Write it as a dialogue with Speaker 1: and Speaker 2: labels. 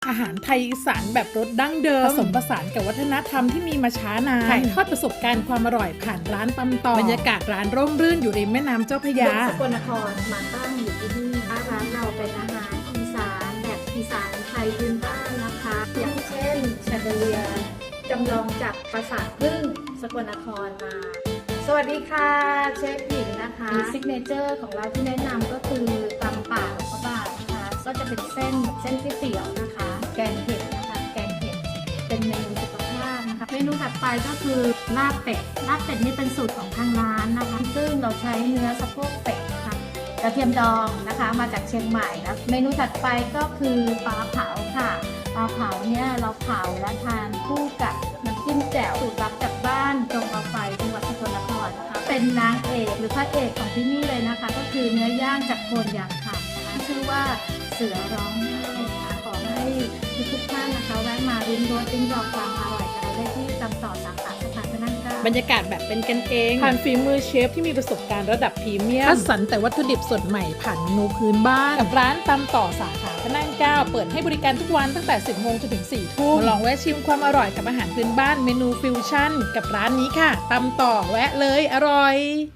Speaker 1: อาหารไทยอีสานแบบรสดั้งเดิมผสมผสานกับวัฒนธรรมที่มีมาช้านานถ่ายทอดประสบการณ์ความอร่อยผ่านร้านตำต่อบรรยากาศร้านร่มรื่นอยู่ริมแม่น้ำเจ้าพระยา
Speaker 2: สกลนครมาตั้งอยู่ที่นี่ร้านเราเป็นอาหารอีสานแบบอีสานไทยพื้นบ้านนะคะอย่างเช่นแชนเดเลียจำลองจากปราสาทพึ่งสกลนครมาสวัสดีค่ะเชฟหญิงนะคะซิกเนเจอร์ของเราที่แนะนำก็คือตำป่าหลวงพระบางนะคะก็จะเป็นเส้นก๋วยเตี๋ยวนะคะแกงเห็ดนะคะแกงเห็ดเป็นเมนูสุขภาพนะคะเมนูถัดไปก็คือลาบเป็ดนี่เป็นสูตรของทางร้านนะคะซึ่งเราใช้เนื้อสะโพกเป็ดนะคะกระเทียมดองนะคะมาจากเชียงใหม่แล้วเมนูถัดไปก็คือปลาเผาค่ะปลาเผาเนี่ยเราเผาและทานคู่กับน้ำจิ้มแจ่วสูตรลับจากบ้านจงเอาไฟจังหวัดสกลนครนะคะเป็นนางเอกหรือพระเอกของที่นี่เลยนะคะก็คือเนื้อย่างจากโคนยางคำนะคะชื่อว่าเสือร้องไห้ค่ะขอให้ทุกท่านนะคะแวะมาริมรสลิ้มลองความอร่อยกันได้ที่ตำต่อสาขาสถานพระนั่งเกล้า
Speaker 1: บรรยากาศแบบเป็นกันเองผ่านฝีมือเชฟที่มีประสบการณ์ระดับพรีเมียมคัดสรรแต่วัตถุดิบสดใหม่ผ่านเมนูพื้นบ้านกับร้านตำต่อสาขาพระนั่งเกล้าเปิดให้บริการทุกวันตั้งแต่ 10 โมงจนถึง 4 ทุ่มลองแวะชิมความอร่อยกับอาหารพื้นบ้านเมนูฟิวชั่นกับร้านนี้ค่ะตำต่อแวะเลยอร่อย